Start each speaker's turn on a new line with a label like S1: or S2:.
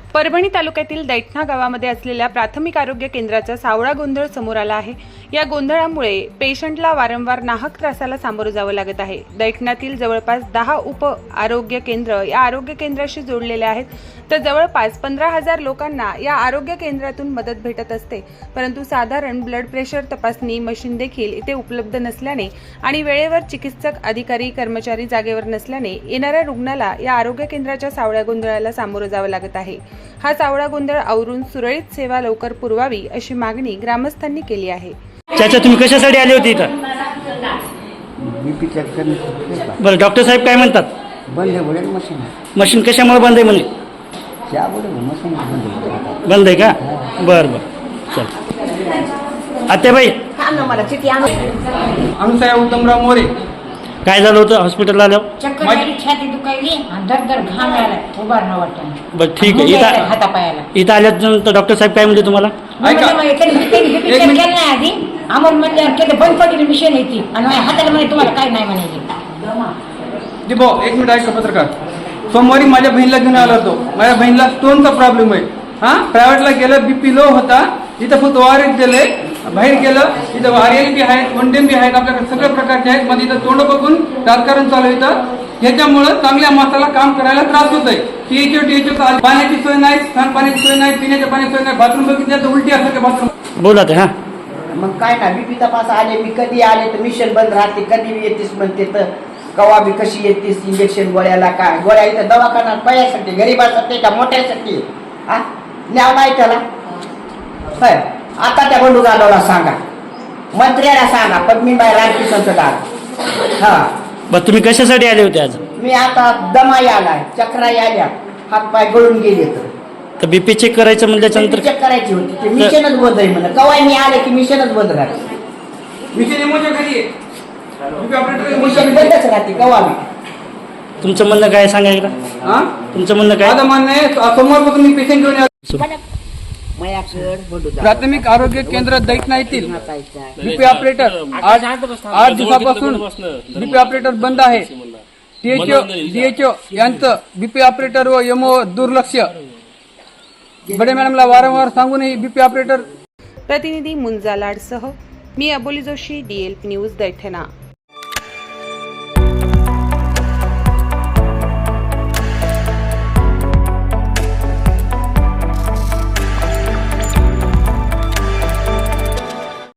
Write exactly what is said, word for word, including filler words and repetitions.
S1: परभणी तालुक्यातील दैठणा गावामध्ये असलेल्या प्राथमिक आरोग्य केंद्राचा सावळा गोंधळ समोर आला आहे। या गोंधळामुळे पेशंटला वारंवार नाहक त्रासाला सामोरं जावं लागत आहे। दैठणातील जवळपास दहा उप आरोग्य केंद्र या आरोग्य केंद्राशी जोडलेले आहेत, तर जवळपास पंधरा हजार लोकांना या आरोग्य केंद्रातून मदत भेटत असते। परंतु साधारण ब्लड प्रेशर तपासणी मशीन देखील इथे उपलब्ध नसल्याने आणि वेळेवर चिकित्सक अधिकारी कर्मचारी जागेवर नसल्याने येणाऱ्या रुग्णाला या आरोग्य केंद्राच्या सावळ्या गोंधळाला सामोरं जावं लागत आहे। हा सावळा गोंधळ आवरून सुरळीत सेवा लवकर पुरवावी अशी मागणी ग्रामस्थांनी केली आहे।
S2: चाचा तुम्ही कशासाठी आले होते इथं?
S3: बीपी चेक करणे।
S2: बरं, डॉक्टर साहेब काय म्हणतात?
S3: बंद आहे बोले मशीन।
S2: मशीन कशामुळे बंद आहे म्हणे?
S3: क्या बोले मशीन बंद आहे।
S2: बंद आहे का? बरं बरं, चल आत्याबाई
S4: अनुसाया उत्तमराव मोरे।
S2: काय झालं होतं हॉस्पिटलला आल्यावर?
S5: चक्कर आली, छाती दुखायली आणि धडधड घाम आला, उभा न वाटत।
S2: बरं ठीक आहे, इथं
S5: हातापायाला
S2: इथं आल्यानंतर डॉक्टर साहेब काय म्हणले तुम्हाला?
S5: आधी आम्हाला म्हणल्यावर बंद पडलेली मिशन येते आणि माझ्या हाताला म्हणे तुम्हाला काय नाही म्हणायचे।
S4: भाऊ एक मिनिट ऐका पत्रकार। सोमवारी माझ्या बहिणीला घेऊन आला होतो। माझ्या बहिणीला स्टोनचा प्रॉब्लेम आहे। हा प्रायव्हेटला गेलं, बीपी लो होता, इथं फक्त ओआरएस दिले, बाहेर गेलं इथं आरएल बी आहेत, वनडेम बी आहेत, आपल्याकडे सगळ्या प्रकारचे आहेत। मध्ये इथं तोंड बघून राजकारण चालू येतं, ह्याच्यामुळं चांगल्या माणसाला काम करायला त्रास होत आहे। टीएचओ टीएचओ पाण्याची सोय नाही, सांडपाण्याची सोय नाही, पिण्याच्या पाण्याची सोय नाही, बाथरूम बघितलं तर उलटी असं बाथरूम।
S2: बोला ते। हा
S3: मग काय ना बीपी तपास आले, मी कधी आले तर मिशन बंद राहते, कधी येतेस म्हणते तर कवा बी कशी येतेस इंजेक्शन गोळ्याला, काय गोळ्या इथं दवाखाना पयासाठी गरीबासाठी का मोठ्यासाठी हा न्याव नाही त्याला। होय आता त्या बंडू जाधवला सांगा, मंत्र्याला सांगा, पद्मीबाई राजकिशनचं दार। हा
S2: बरं, तुम्ही कशासाठी आले होते आज?
S3: मी आता दमाई आलाय, चक्राई आल्या, हात पाय गळून गेले तर
S2: तर बीपी चेक करायचं म्हणल्याच्यानंतर
S3: चेक करायची होती, ते मिशनच बंद आहे म्हणलं। कवाय मी आले की मिशनच बंद राहते,
S4: मिशन इमोच्या खाली आहे, बीपी ऑपरेटर
S3: मिशन बंदच राहते कवा बी।
S2: तुमचं म्हणणं काय सांगा एकदा?
S4: हा
S2: तुमचं म्हणणं काय?
S4: माझं म्हणणं आहे सोमवारपासून मी पेशंट घेऊन आलो।
S3: मयाकड
S4: प्राथमिक आरोग्य केंद्र दैठणा येथील बीपी ऑपरेटर आज आठ दिवसापासून बीपी ऑपरेटर बंद आहे। टीएचओ डीएचओ यांचं बीपी ऑपरेटर व एमओ दुर्लक्ष, बडे मॅडमला वारंवार सांगूनही बीपी ऑपरेटर।
S1: प्रतिनिधी मुंजा लाडसह मी अबोली जोशी, डीएलपी न्यूज दैठणा।